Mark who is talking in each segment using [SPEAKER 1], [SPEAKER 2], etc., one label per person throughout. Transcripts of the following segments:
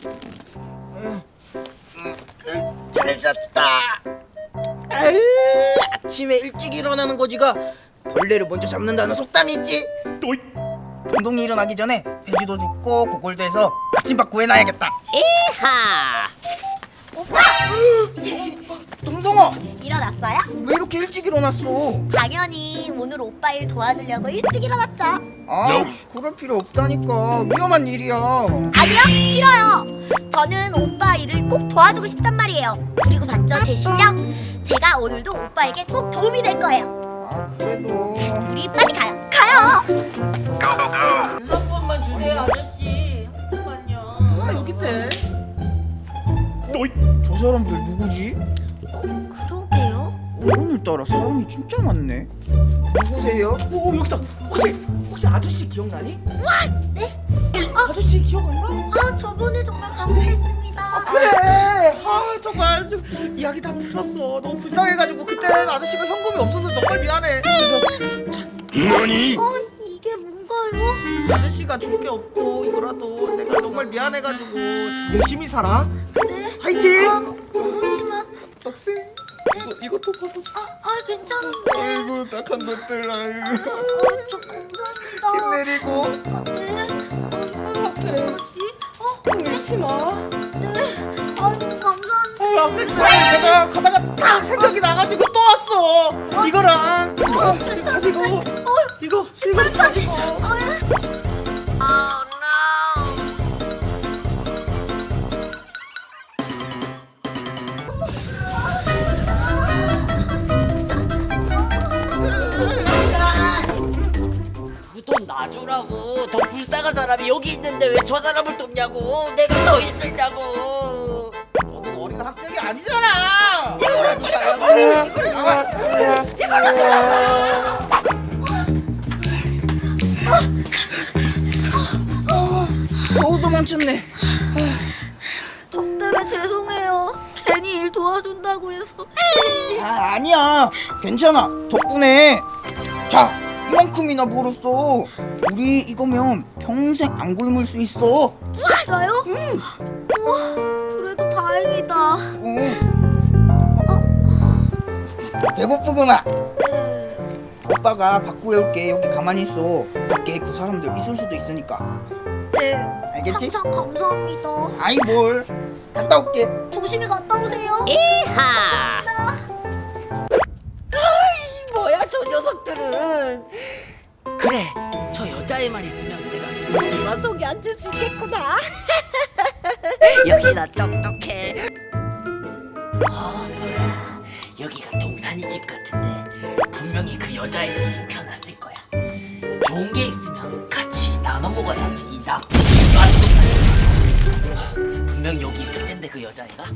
[SPEAKER 1] 잘 잤다. 아유, 아침에 일찍 일어나는 거지가 벌레를 먼저 잡는다는 속담이 있지. 동동이 일어나기 전에 돼지도 죽고 고골도 해서 아침밥 구해놔야겠다.
[SPEAKER 2] 이하!
[SPEAKER 3] 오빠!
[SPEAKER 1] 동동아,
[SPEAKER 3] 일어났어요?
[SPEAKER 1] 왜 이렇게 일찍 일어났어?
[SPEAKER 3] 당연히 오늘 오빠 일 도와주려고 일찍 일어났죠.
[SPEAKER 1] 아, 그럴 필요 없다니까. 위험한 일이야.
[SPEAKER 3] 아니요, 싫어요. 저는 오빠 일을 꼭 도와주고 싶단 말이에요. 그리고 봤죠, 제 실력? 제가 오늘도 오빠에게 꼭 도움이 될 거예요.
[SPEAKER 1] 아, 그래도
[SPEAKER 3] 우리 빨리 가요. 가요.
[SPEAKER 4] 한 번만 주세요, 아저씨. 한 번만요. 아, 여기 있대.
[SPEAKER 1] 저 사람들 누구지?
[SPEAKER 3] 그러게요.
[SPEAKER 1] 오늘따라 사람이 진짜 많네. 누구세요?
[SPEAKER 4] 오, 여기다. 혹시 아저씨 기억나니?
[SPEAKER 3] 네?
[SPEAKER 4] 아저씨 기억 안 나?
[SPEAKER 3] 아, 저번에 정말 감사했습니다.
[SPEAKER 4] 그래. 아, 정말 좀 이야기 다 들었어. 너무 불쌍해가지고 그때 아저씨가 현금이 없어서 정말 미안해. 그래서
[SPEAKER 3] 이게 뭔가요?
[SPEAKER 4] 아저씨가 줄 게 없고 이거라도 내가 정말 미안해가지고 열심히 살아.
[SPEAKER 3] 네?
[SPEAKER 4] 화이팅!
[SPEAKER 3] 그렇지만
[SPEAKER 4] 학생 이것도 받아줘.
[SPEAKER 3] 괜찮은데.
[SPEAKER 1] 아이고, 딱한 것들. 아이고.
[SPEAKER 3] 저 감사합니다.
[SPEAKER 1] 힘내리고.
[SPEAKER 3] 네.
[SPEAKER 4] 학생 울지 마.
[SPEAKER 3] 네. 감사합니다.
[SPEAKER 4] 학생 내가 가다가 딱 생각이 나가지고 또 왔어. 이거랑 이거 가지고 이거 가지고.
[SPEAKER 2] 그 돈 놔주라고. 더 불쌍한 사람이 여기 있는데 왜 저 사람을 돕냐고. 내가 더 힘들다고.
[SPEAKER 4] 너는 어린 학생이 아니잖아.
[SPEAKER 2] 이거라도 달라고.
[SPEAKER 1] 어우, 도망쳤네.
[SPEAKER 3] 저 때문에 죄송해요. 괜히 일 도와준다고 해서.
[SPEAKER 1] 아, 아니야. 괜찮아. 덕분에. 자, 이만큼이나 벌었어. 우리 이거면 평생 안 굶을 수 있어.
[SPEAKER 3] 진짜요? 응. 우와, 그래도 다행이다.
[SPEAKER 1] 배고프구나. 오빠가 밥 구해올게. 여기 가만히 있어. 밖에 그 사람들 있을 수도 있으니까.
[SPEAKER 3] 네.
[SPEAKER 1] 알겠지?
[SPEAKER 3] 항상 감사합니다.
[SPEAKER 1] 아이, 뭘. 갔다 올게.
[SPEAKER 3] 조심히 갔다 오세요.
[SPEAKER 2] 이하! 뭐야 저 녀석들은. 그래, 저 여자애만 있으면 내가 누가 속에 앉을 수 있겠구나. 역시나 똑똑해. 뭐야, 여기가 동산이 집 같은데 분명히 그 여자애를 숨겨놨을 거야. 좋은 게 있으면 같이 나눠 먹어야지. 이 나쁜 동산. 분명 여기 있을 텐데 그 여자애가.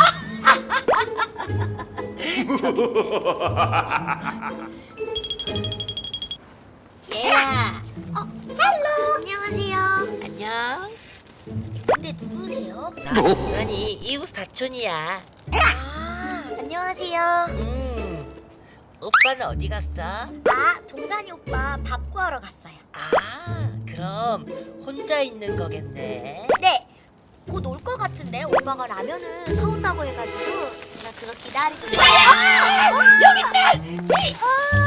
[SPEAKER 2] 얘야.
[SPEAKER 3] 헬로. 안녕하세요.
[SPEAKER 2] 안녕.
[SPEAKER 3] 근데 누구세요?
[SPEAKER 2] 나 동산이 이웃 사촌이야.
[SPEAKER 3] 안녕하세요.
[SPEAKER 2] 오빠는 어디 갔어?
[SPEAKER 3] 동산이 오빠 밥 구하러 갔어요.
[SPEAKER 2] 아, 그럼 혼자 있는 거겠네.
[SPEAKER 3] 네. 곧 올 것 같은데 오빠가 라면을 사온다고 해가지고 제가 그거 기다리고 있어요.
[SPEAKER 2] 여기 있다.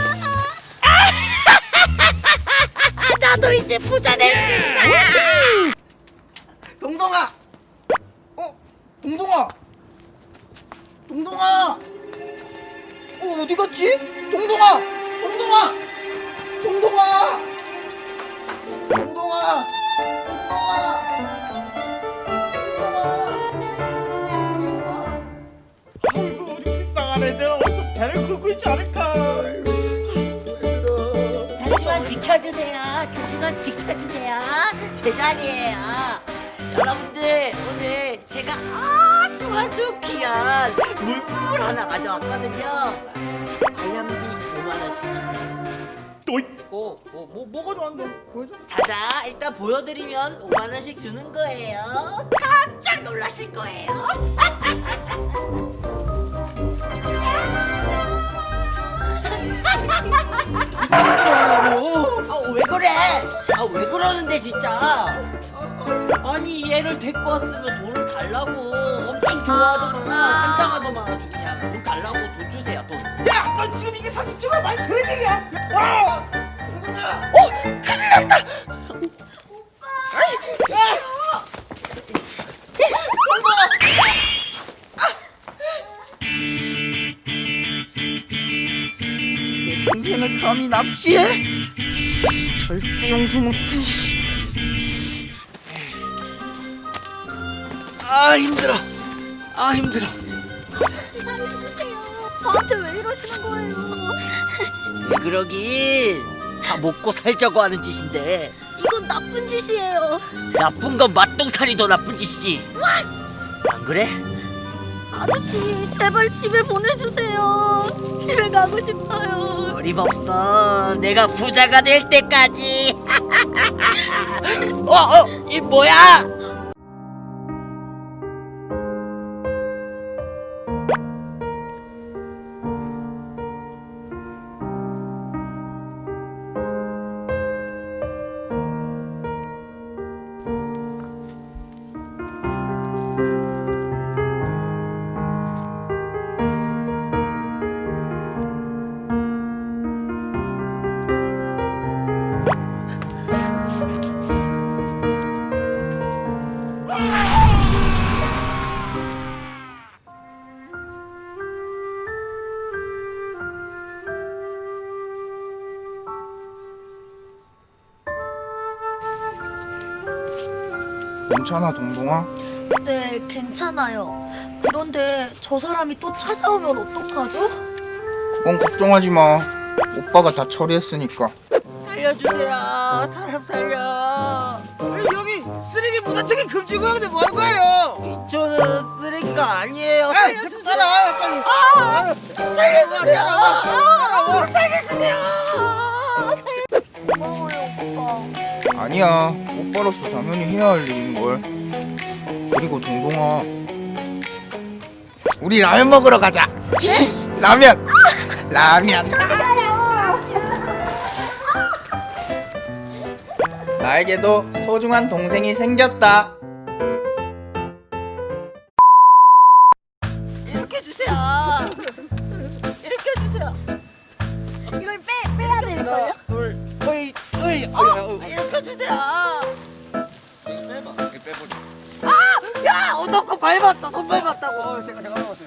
[SPEAKER 2] 나도 이제 부자 될 수 있어.
[SPEAKER 1] 동동아. 동동아. 동동아. 어디 갔지? 동동아. 동동아. 동동아. 동동아.
[SPEAKER 4] 아이고 우리 불쌍한 애들 어디서 배를 긁고 있지 않을까.
[SPEAKER 2] 잠시만 비켜주세요. 잠시만 비켜주세요. 제 자리예요. 여러분들, 오늘 제가 아주 귀한 물품을 하나 가져왔거든요. 관람비 5만 원씩 주세요.
[SPEAKER 4] 뭐가 좋아한데? 보여줘.
[SPEAKER 2] 자자, 일단 보여드리면 5만 원씩 주는 거예요. 깜짝 놀라실 거예요. 왜 그래? 왜 그러는데 진짜? 아니 얘를 데리고 왔으면 돈을 달라고 엄청 좋아하더만 환장하더만 아주 그냥 돈 달라고 돈 주세요 돈.
[SPEAKER 4] 야, 너 지금 이게 상식적으로 많이 들은 얘기야. 와! 동동아!
[SPEAKER 1] 큰일 났다. 내 동생을 감히 납치해? 절대 용서 못해. 아 힘들어. 아 힘들어.
[SPEAKER 3] 아저씨 살려주세요. 저한테 왜 이러시는 거예요?
[SPEAKER 2] 왜 그러긴 다 먹고 살자고 하는 짓인데
[SPEAKER 3] 이건 나쁜 짓이에요.
[SPEAKER 2] 나쁜 건 맛동산이 더 나쁜 짓이지. 안 그래?
[SPEAKER 3] 아저씨 제발 집에 보내주세요. 집에 가고 싶어요.
[SPEAKER 2] 어림없어. 내가 부자가 될 때까지. 이 뭐야?
[SPEAKER 1] 괜찮아 동동아?
[SPEAKER 3] 네, 괜찮아요. 그런데 저 사람이 또 찾아오면 어떡하죠?
[SPEAKER 1] 그건 걱정하지 마. 오빠가 다 처리했으니까.
[SPEAKER 2] 살려주세요. 사람 살려.
[SPEAKER 4] 여기 쓰레기 무단적인 금지 구역인데 뭐 하는 거예요?
[SPEAKER 2] 저는 쓰레기가 아니에요.
[SPEAKER 4] 에이, 데리고 가라, 빨리. 살려주세요.
[SPEAKER 3] 고마워요, 오빠.
[SPEAKER 1] 아니야. 오빠로서 당연히 해야 할 일인걸. 그리고 동동아, 우리 라면 먹으러 가자. 라면. 나에게도 소중한 동생이 생겼다.
[SPEAKER 2] 이렇게 주세요. 이렇게 주세요.
[SPEAKER 3] 이걸 빼야 되는 거예요?
[SPEAKER 1] 둘, 으이.
[SPEAKER 2] 이렇게 주세요.
[SPEAKER 1] 빼보자.
[SPEAKER 2] 야, 너거 밟았다. 손 밟았다고.
[SPEAKER 1] 제가 먹었어요.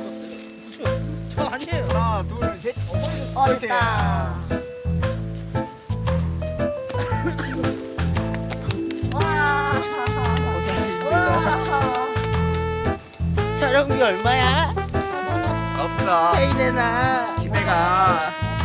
[SPEAKER 4] 저 아니에요.
[SPEAKER 1] 하나, 둘, 셋.
[SPEAKER 3] 어렵다. 와.
[SPEAKER 2] 촬영비 얼마야?
[SPEAKER 1] 없어.
[SPEAKER 2] 페이 내놔.
[SPEAKER 1] 집에 가.